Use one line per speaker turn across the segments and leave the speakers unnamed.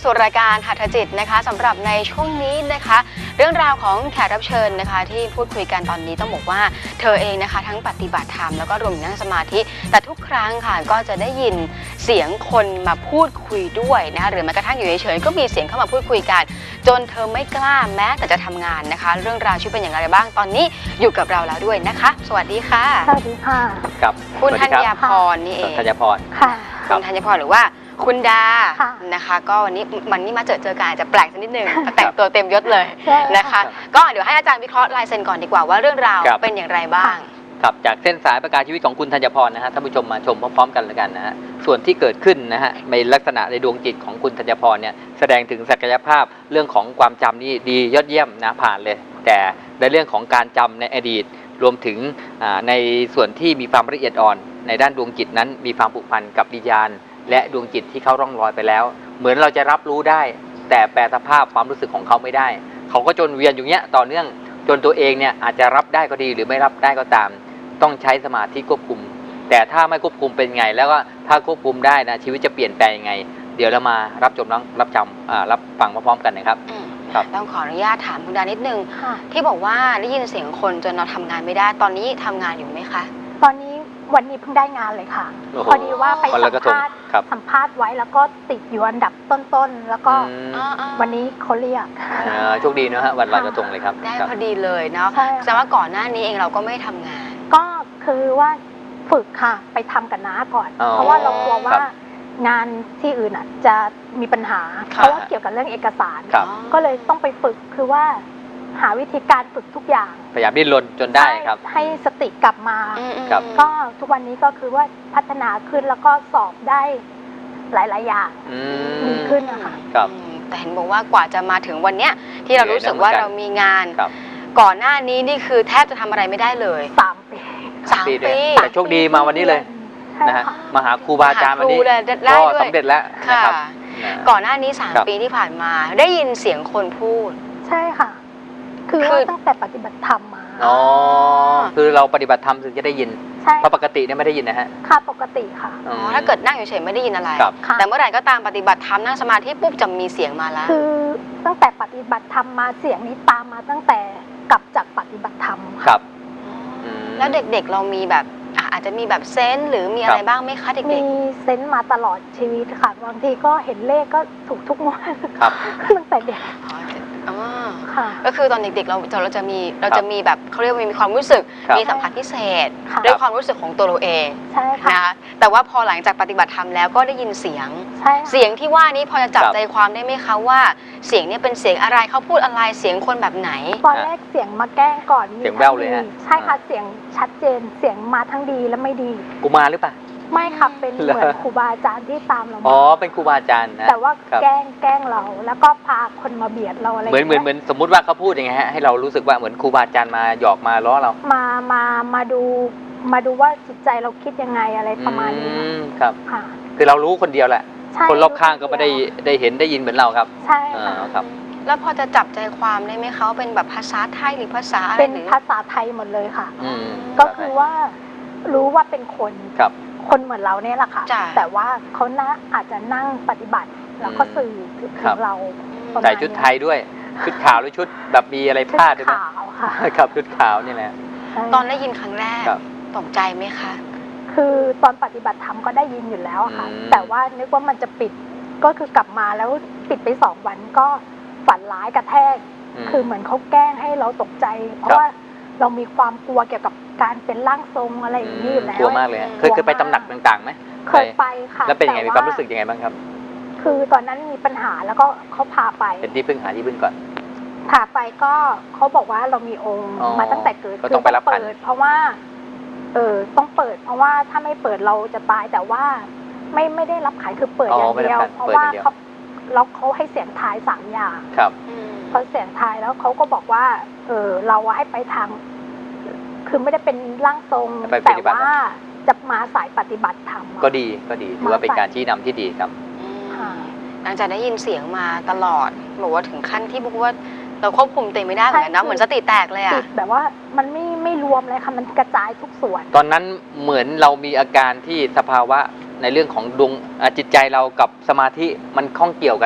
สู่รายการหัตถจิตนะคะสำหรับในช่วงนี้นะคะเรื่องราวของแขกรับเชิญนะคะที่พูดคุยกันตอนนี้ต้องบอกว่าเธอเองนะคะทั้งปฏิบัติธรรมแล้วก็รวมถึงนั่งสมาธิแต่ทุกครั้งค่ะก็จะได้ยินเสียงคนมาพูดคุยด้วยนะคะหรือแม้กระทั่งอยู่เฉยๆก็มีเสียงเข้ามาพูดคุยกันจนเธอไม่กล้าแม้แต่จะทำงานนะคะเรื่องราวชีวิตเป็นอย่างไรบ้างตอนนี้อยู่กับเราแล้วด้วยนะคะสวัสดีค่ะ
สวัสดีค่ะ
กับ
คุณธัญพรนี่เอง
ธัญพร
ค่ะ
คุณธัญพรหรือว่าคุณดานะคะก็วันนี้มาเจอกันอาจจะแปลกสักนิดนึงแต่งตัวเต็มยศเลยนะคะก็เดี๋ยวให้อาจารย์วิเคราะห์ลายเซ็นก่อนดีกว่าว่าเรื่องราวเป็นอย่างไรบ้าง
ครับจากเส้นสายประกาศชีวิตของคุณธัญพรนะฮะท่านผู้ชมมาชมพร้อมๆกันแล้วกันนะฮะส่วนที่เกิดขึ้นนะฮะในลักษณะในดวงจิตของคุณธัญพรเนี่ยแสดงถึงศักยภาพเรื่องของความจำนี่ดียอดเยี่ยมนะผ่านเลยแต่ในเรื่องของการจำในอดีตรวมถึงในส่วนที่มีความละเอียดอ่อนในด้านดวงจิตนั้นมีความผูกพันกับวิญญาณและดวงจิตที่เขาร่องรอยไปแล้วเหมือนเราจะรับรู้ได้แต่แปลสภาพความรู้สึกของเขาไม่ได้เขาก็จนเวียนอยู่เนี้ยต่อเนื่องจนตัวเองเนี่ยอาจจะรับได้ก็ดีหรือไม่รับได้ก็ตามต้องใช้สมาธิควบคุมแต่ถ้าไม่ควบคุมเป็นไงแล้วก็ถ้าควบคุมได้นะชีวิตจะเปลี่ยนแปลงยังไงเดี๋ยวเรามารับฟังพร้อมๆกันนะครับ
ต้องขออนุญาตถามคุณดานิดนึงที่บอกว่าได้ยินเสียงคนจนเราทำงานไม่ได้ตอนนี้ทำงานอยู่ไหมคะ
ตอนนี้วันนี้เพิ่งได้งานเลยค่ะพอดีว่าไปสัมภาษณ์ไว้แล้วก็ติดอยู่อันดับต้นๆแล้วก็วันนี้เขาเรียก
โชคดีนะฮะวันลอยกระทงเลยครับ
ได้พอดีเลยเนาะแสดงว่าก่อนหน้านี้เองเราก็ไม่ทำงาน
ก็คือว่าฝึกค่ะไปทำกับน้าก่อนเพราะว่าเรากลัวว่างานที่อื่นจะมีปัญหาเพราะว่าเกี่ยวกับเรื่องเอกสารก็เลยต้องไปฝึกคือว่าหาวิธีการฝึกทุกอย่าง
พยายามดิ้นรนจนได้ครับ
ให้สติกลับมาก็ทุกวันนี้ก็คือว่าพัฒนาขึ้นแล้วก็สอบได้หลายๆอย่างดีขึ้นนะคะ
แต่เห็นบอกว่ากว่าจะมาถึงวันเนี้ยที่เรารู้สึกว่าเรามีงานก่อนหน้านี้นี่คือแทบจะทำอะไรไม่ได้เลย
3 ปี
แต่โชคดีมาวันนี้เลยนะฮะมาหาครูบาอาจารย์วันนี้ก็สำเร็จแล้วนะครับ
ก่อนหน้านี้3 ปีที่ผ่านมาได้ยินเสียงคนพูด
ใช่ค่ะคือว่าตั้งแต่ปฏิบัติธรรมมา
อ๋อคือเราปฏิบัติธรรมถึงจะได้ยินเพราะปกติเนี่ยไม่ได้ยินนะฮะ
ค่ะปกติค่ะ
ถ้าเกิดนั่งเฉยๆไม่ได้ยินอะไรแต่เมื่อไหร่ก็ตามปฏิบัติธรรมนั่งสมาธิปุ๊บจะมีเสียงมาแล้ว
คือตั้งแต่ปฏิบัติธรรมมาเสียงนี้ตามมาตั้งแต่กลับจากปฏิบัติธรรม
ครับ
แล้วเด็กๆเรามีแบบอาจจะมีแบบเซนส์หรือมีอะไรบ้างไหมคะเด็กๆ
มีเซนส์มาตลอดชีวิตค่ะบางทีก็เห็นเลขก็ถูกทุกงวดตั้งแต่เด็ก
ก็คือตอนเด็กๆเราจะมีแบบเขาเรียกว่ามีความรู้สึกมีสัมผัสพิเศษด้วยความรู้สึกของตัวเราเองนะคะแต่ว่าพอหลังจากปฏิบัติธรรมแล้วก็ได้ยินเสียงที่ว่านี้พอจะจับใจความได้ไหมคะว่าเสียงนี้เป็นเสียงอะไรเขาพูดอะไรเสียงคนแบบไหน
ตอนแรกเสียงมาแกล้งก่อน
เสียงแว่วเลยฮะ
ใช่ค่ะเสียงชัดเจนเสียงมาทั้งดีและไม่ดี
กุมารหรือเปล่า
ไม่ค่ะเป็นเหมือนครูบาอาจารย์ที่ตามเรา
อ๋อเป็นครูบาอาจารย์นะ
แต่ว่าแกล้งเราแล้วก็พาคนมาเบียดเราอะไร
เหมือนสมมุติว่าเขาพูดยังไงฮะให้เรารู้สึกว่าเหมือนครูบาอาจารย์มาหยอกมาล้อเรา
มาดูว่าจิตใจเราคิดยังไงอะไรประมาณนี้
ครับค่ะคือเรารู้คนเดียวแหละคนรอบข้างก็ไม่ได้เห็นได้ยินเหมือนเราครับ
ใช่
ครับ
แล้วพอจะจับใจความได้ไหมเขาเป็นแบบภาษาไทยหรือภาษาอะไร
เป็นภาษาไทยหมดเลยค่ะก็คือว่ารู้ว่าเป็นคนเหมือนเราเนี่ยแหละค่ะแต่ว่าเขาอาจจะนั่งปฏิบัติแล้วก็สื่อถึงเรา
ใส่ชุดไทยด้วยชุดขาวหรือชุดแบบมีอะไรพาดด้วยไหม
ขาวค่ะ
ครับชุดขาวนี่แหละ
ตอนได้ยินครั้งแรกตกใจไหมคะ
คือตอนปฏิบัติธรรมก็ได้ยินอยู่แล้วค่ะแต่ว่านึกว่ามันจะปิดก็คือกลับมาแล้วปิดไป2 วันก็ฝันร้ายกระแทกคือเหมือนเขาแกล้งให้เราตกใจเพราะว่าเรามีความกลัวเกี่ยวกับการเป็นร่างทรงอะไรอย่างนี้อยู่แล้ว
กลัวมากเลยเคยไปตำหนักต่างๆไหม
เคยไปค่ะ
แล้วเป็นยังไงมีความรู้สึกยังไงบ้างครับ
คือตอนนั้นมีปัญหาแล้วก็เขาพาไป
เป็นที่พึ่งหาที่พึ่งก่อน
พาไปก็เขาบอกว่าเรามีองค์มาตั้งแต่เกิด
ก็ต้องไปรับขัน
เพราะว่าต้องเปิดเพราะว่าถ้าไม่เปิดเราจะตายแต่ว่าไม่ได้รับขันคือเปิดอย่างเดียวเพราะว่าเขาให้เสียงทาย3 อย่าง
ครับ
พอเสียงทายแล้วเขาก็บอกว่าเราให้ไปทางคือไม่ได้เป็นร่างทรงแต่ว่าจะมาสายปฏิบัติธรรม
ก็ดีถือว่าเป็นการชี้นำที่ดีครับ
หลังจากได้ยินเสียงมาตลอดบอกว่าถึงขั้นที่บอกว่าเราควบคุมตัวเองไม่ได้เหมือนกันนะเหมือนสติแตกเลยอะ
แบบว่ามันไม่รวมเลยค่ะมันกระจายทุกส่วน
ตอนนั้นเหมือนเรามีอาการที่สภาวะในเรื่องของดวงจิตใจเรากับสมาธิมันข้องเกี่ยวกัน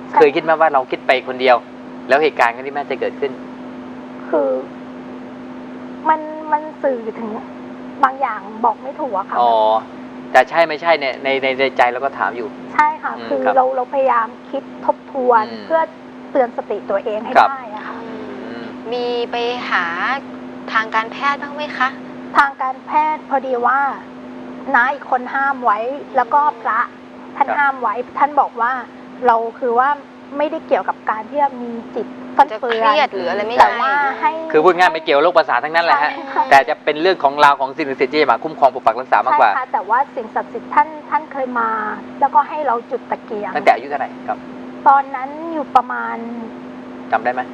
ใช่
เคยคิดไหมว่าเราคิดไปคนเดียว แล้วเหตุการณ์ที่แม่จะเกิดขึ้น
คือมันสื่อถึงบางอย่างบอกไม่ถูกอะค่ะ
อ๋อแต่ใช่ไม่ใช่เนี่ยในใจเราก็ถามอยู่
ใช่ค่ะ คือ
ครับ
เราพยายามคิดทบทวน
อืม
เพื่อเตือนสติตัวเองให้
ครับ
ได้อะค่ะ
อืม
มีไปหาทางการแพทย์บ้างไหมคะ
ทางการแพทย์พอดีว่าน้าอีกคนห้ามไว้ แล้วก็พระท่าน
ครับ
ห้ามไว้ ท่านบอกว่าเราคือว่าไม่ได้เกี่ยวกับการที่จะมีจิตฟัน
จะ
เฟื
เค
อ
รีย
น
ดหรืออะไรไม่
แต่
ใช่
ว่าให้
คือพูดง่ายไม่เกี่ยวโรคประสาททั้งนั้นแหละฮะ
ใช่ค่ะ
แต่จะเป็นเรื่องของราวของสิ่งศักดิ์สิทธิ์ที่จะมาคุ้มครองปกปักรักษามากกว่า
ใช่ค่ะแต่ว่าสิ่งศักดิ์สิทธิ์ท่านเคยมา แล้วก็ให้เราจุดตะเกียง
ตั้งแต่อายุเท่าไหร่ครับ
ตอนนั้นอยู่ประมาณ
จำได้ไหม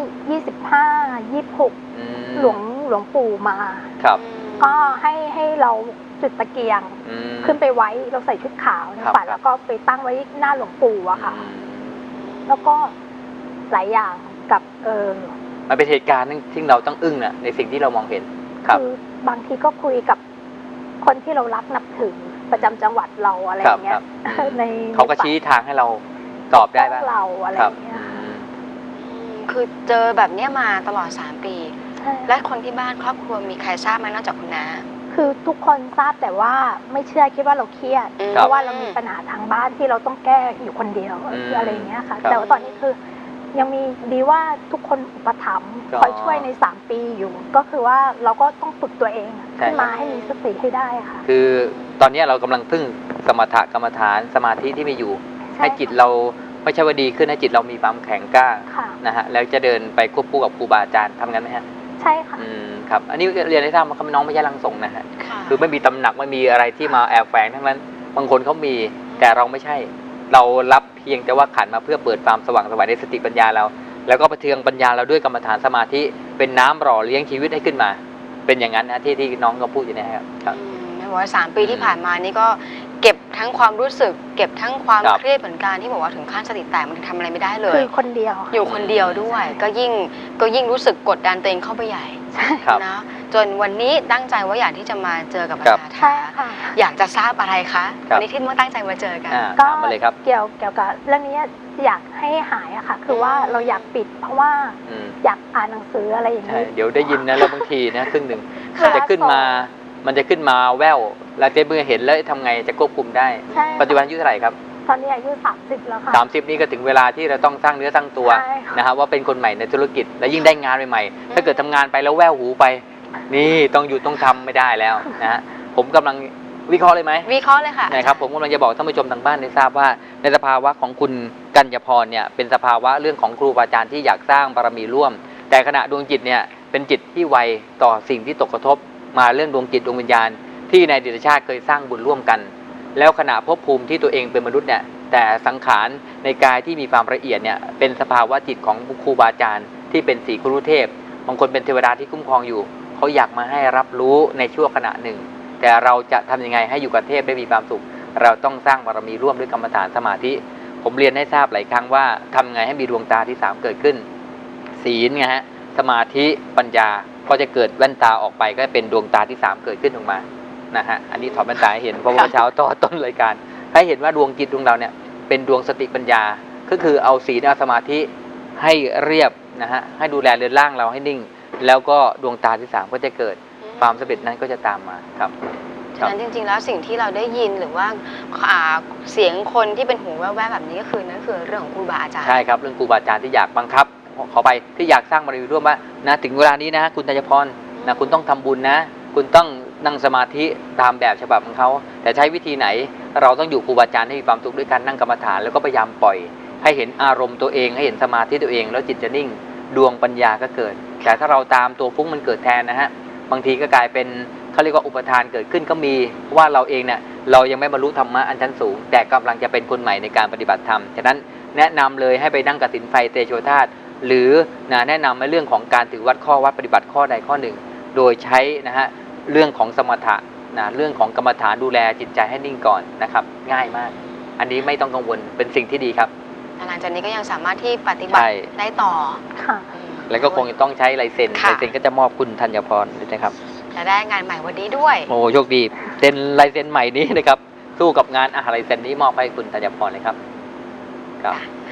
25-26
อืม
หลวงปู่มา
ครับ
ก็ให้เราจุดตะเกียง
อืม
ขึ้นไปไว้เราใส่ชุดขาวใน
ครับ
ฝันแล้วก็ไปตั้งไว้หน้าหลวงปู่อะค่ะ
อืม
แล้วก็หลายอย่างกับ
มันเป็นเหตุการณ์ที่เราต้องอึ้งนะในสิ่งที่เรามองเห็นครับ
คือบางทีก็คุยกับคนที่เรารักนับถือประจำจังหวัดเราอะไรอย่างเงี้
ครั
ย
บ
ใน
เขาก็ชี้ทางให้เราตอบได้บ้าง
เราอะไร
ค
อ
รับ
ย่างเงี้ย
อืม
คือเจอแบบเนี้ยมาตลอด3 ปี
ใช่
และคนที่บ้านครอบครัวมีใครทราบไหมนอกจากคุณน้า
คือทุกคนทราบแต่ว่าไม่เชื่อคิดว่าเราเครียด
อืม
เพราะว่าเรามีปัญหาทางบ้านที่เราต้องแก้อยู่คนเดียวอะไรอย่างเงี้ยค่ะ แต่ว่าตอนนี้คือยังมีดีว่าทุกคนอุปถัมภ์คอยช่วยใน3 ปีอยู่ ก็คือว่าเราก็ต้องฝึกตัวเองขึ้นมาให้มีสติให้ได้ค่ะ
คือตอนนี้เรากำลังพึ่งสมถะกรรมฐานสมาธิที่มีอยู่
ใช่
ให้จิตเราไม่ใช่ว่าดีขึ้นให้จิตเรามีความแข็งกล้า
ค่ะ
นะฮะแล้วจะเดินไปควบคู่กับครูบาอาจารย์ทำงั้นไหมฮะ
ใช่ค่ะ
ครับอันนี้เรียนให้ทราบว่าน้องไม่ใช่ร่างทรงนะฮะ
ค่ะ
คือไม่มีตำหนักไม่มีอะไรที่มาแอบแฝงทั้งนั้น บางคนเขามีแต่เราไม่ใช่ เรารับเพียงแต่ว่าขันมาเพื่อเปิดความสว่างไสวในสติปัญญาเรา แล้วก็ประเทืองปัญญาเราด้วยกรรมฐานสมาธิเป็นน้ำหล่อเลี้ยงชีวิตให้ขึ้นมา เป็นอย่างนั้นนะที่น้องก็พูดอยู่เนะครับครับ
ไม่บอกว่า3 ปีที่ผ่านมานี่ก็เก็บทั้งความรู้สึก เก็บทั้งความ
ครับ
เครียดเหมือนกันที่บอกว่าถึงขั้นสติแตกมันทำอะไรไม่ได้เลย
คือคนเดียว
อยู่คนเดียวด้วย ก็ยิ่งรู้สึกกดดันตัวเองเข้าไปใหญ่
ครับ
นะจนวันนี้ตั้งใจว่าอยากที่จะมาเจอกับอา
ครับ
จารย์
ใช่
ทา
ค่ะ
อยากจะทราบอะไรคะ
ครับ
วันนี้ที่เมื่อตั้งใจมาเจอกัน
ก็
ถามมาเลยครับ
เกี่ยวกับเรื่องนี้อยากให้หายอะค่ะ คือว่าเราอยากปิด เพราะว่า
อืม
อยากอ่านหนังสืออะไรอย่าง
ใช่
นี้
เดี๋ยวได้ยินนะแล้วบางทีนะครึ่งหนึ่ง
ค่ะ
มันจะขึ้นมาแววแล้วเจ๊เมื่อเห็นแล้วทำไงจะควบคุมได้
ใช่
ปัจจุบันอายุเท่าไหร่ครับ
ตอนนี้อายุ30แล้วค่ะ
30นี่ก็ถึงเวลาที่เราต้องสร้างเนื้อสร้างตัว
ใช่ค่ะ
นะฮะว่าเป็นคนใหม่ในธุรกิจและยิ่งได้งานใหม่ๆถ้าเกิดทำงานไปแล้วแววหูไป นี่ต้องหยุดต้องทำไม่ได้แล้วนะฮะผมกำลังวิเคราะห์เลยไหม
วิเคราะห์เลยค่ะ
นะครับผมกำลังจะบอกท่านผู้ชมทางบ้านได้ทราบว่าในสภาวะของคุณกัญญาพรเนี่ยเป็นสภาวะเรื่องของครูบาอาจารย์ที่อยากสร้างบารมีร่วม แต่ขณะดวงจิตเนี่ยเป็นจิตที่ไวต่อสิ่งที่ตกกระทบมาเรื่องดวงจิตดวงวิญญาณที่ในอดีตชาติเคยสร้างบุญร่วมกัน แล้วขณะภพภูมิที่ตัวเองเป็นมนุษย์เนี่ยแต่สังขารในกายที่มีความละเอียดเนี่ยเป็นสภาวะจิตของครูบาอาจารย์ที่เป็นสีครุเทพบางคนเป็นเทวดาที่คุ้มครองอยู่เขาอยากมาให้รับรู้ในช่วงขณะหนึ่ง แต่เราจะทำยังไงให้อยู่กับเทพได้มีความสุข เราต้องสร้างบารมีร่วมด้วยกรรมฐานสมาธิ ผมเรียนให้ทราบหลายครั้งว่าทำไงให้มีดวงตาที่3เกิดขึ้น ศีลไงฮะสมาธิปัญญาก็จะเกิดแว่นตาออกไปก็เป็นดวงตาที่3เกิดขึ้นออกมานะฮะอันนี้ถอดแว่นตาให้เห็นเพราะว่าเช้าต่อต้นรายการให้เห็นว่าดวงจิตดวงเราเนี่ยเป็นดวงสติปัญญาก็คือเอาศีลเอาสมาธิให้เรียบนะฮะให้ดูแลเรือนร่างเราให้นิ่ง แล้วก็ดวงตาที่3ก็จะเกิดความสำเร็จนั้นก็จะตามมาครับ
ฉะนั้นจริงๆแล้วสิ่งที่เราได้ยินหรือว่าเสียงคนที่เป็นหูแว่วๆแบบนี้ก็คือนั่นคือเรื่องของครูบาอาจารย์
ใช่ครับเรื่องครูบาอาจารย์ที่อยากบังคับขอไปที่อยากสร้างบารมีร่วมว่านะถึงเวลานี้นะคุณธัญพรนะคุณต้องทำบุญนะคุณต้องนั่งสมาธิตามแบบฉบับของเขาแต่ใช้วิธีไหนเราต้องอยู่ครูบาอาจารย์ให้มีความสุขด้วยการนั่งกรรมฐานแล้วก็พยายามปล่อยให้เห็นอารมณ์ตัวเองให้เห็นสมาธิตัวเองแล้วจิตจะนิ่งดวงปัญญาก็เกิดแต่ถ้าเราตามตัวฟุ้งมันเกิดแทนนะฮะบางทีก็กลายเป็นเขาเรียกว่าอุปทานเกิดขึ้นก็มีว่าเราเองเนี่ยเรายังไม่บรรลุธรรมะอันชั้นสูงแต่กำลังจะเป็นคนใหม่ในการปฏิบัติธรรมฉะนั้นแนะนำเลยให้ไปนั่งกสินไฟเตโชธาตุหรือแนะนำในเรื่องของการถือวัดข้อวัดปฏิบัติข้อใดข้อหนึ่งโดยใช้นะฮะเรื่องของสมถะเรื่องของกรรมฐานดูแลจิตใจให้นิ่งก่อนนะครับง่ายมากอันนี้ไม่ต้องกังวลเป็นสิ่งที่ดีครับ
หลังจากนี้ก็ยังสามารถที่ปฏิบัติ
ใช่
ได้ต่อ
ค่ะ
แล้วก็คงจะต้องใช้ลายเซ็น
ค่ะ
ลายเซ็นก็จะมอบคุณธัญพรด้วยนะครับ
และได้งานใหม่วันนี้ด้วย
โอ้โชคดีเซ็นลายเซ็นใหม่นี้นะครับสู้กับงานลายเซ็นนี้มอบให้คุณธัญพรเลยครับครับ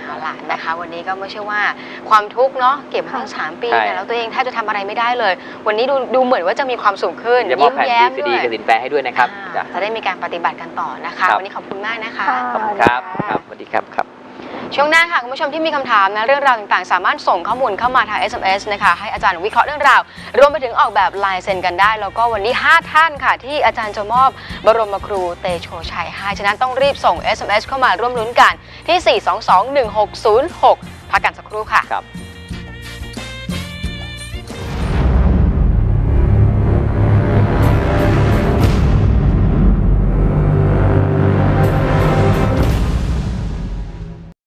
เอาล่ะนะคะวันนี้ก็ไม่ใช่ว่าความทุกข์เนาะเก็บมาตั้ง3 ปีเนี่ยแล้วตัวเองแทบจะทำอะไรไม่ได้เลย วันนี้ดูเหมือนว่าจะมีความสุขขึ้น
จะมอบแผ่น
แย้ม
VCD
ด้วย
กับสินแปรให้ด้วยนะครับ
จะได้มีการปฏิบัติกันต่อนะคะ
ครับ
วันนี้ขอบคุณมากนะคะ
ขอบคุณครับครับสวัสดีครับครับ
ช่วงหน้าค่ะคุณผู้ชมที่มีคำถามนะเรื่องราวต่างๆสามารถส่งข้อมูลเข้ามาทาง SMS นะคะให้อาจารย์วิเคราะห์เรื่องราวรวมไปถึงออกแบบลายเซ็นกันได้แล้วก็วันนี้5ท่านค่ะที่อาจารย์จะมอบบรมครูเตโชชัยให้ฉะนั้นต้องรีบส่ง SMS เข้ามาร่วมลุ้นกันที่ 4221606 พักกันสักครู่ค่ะ
ครับ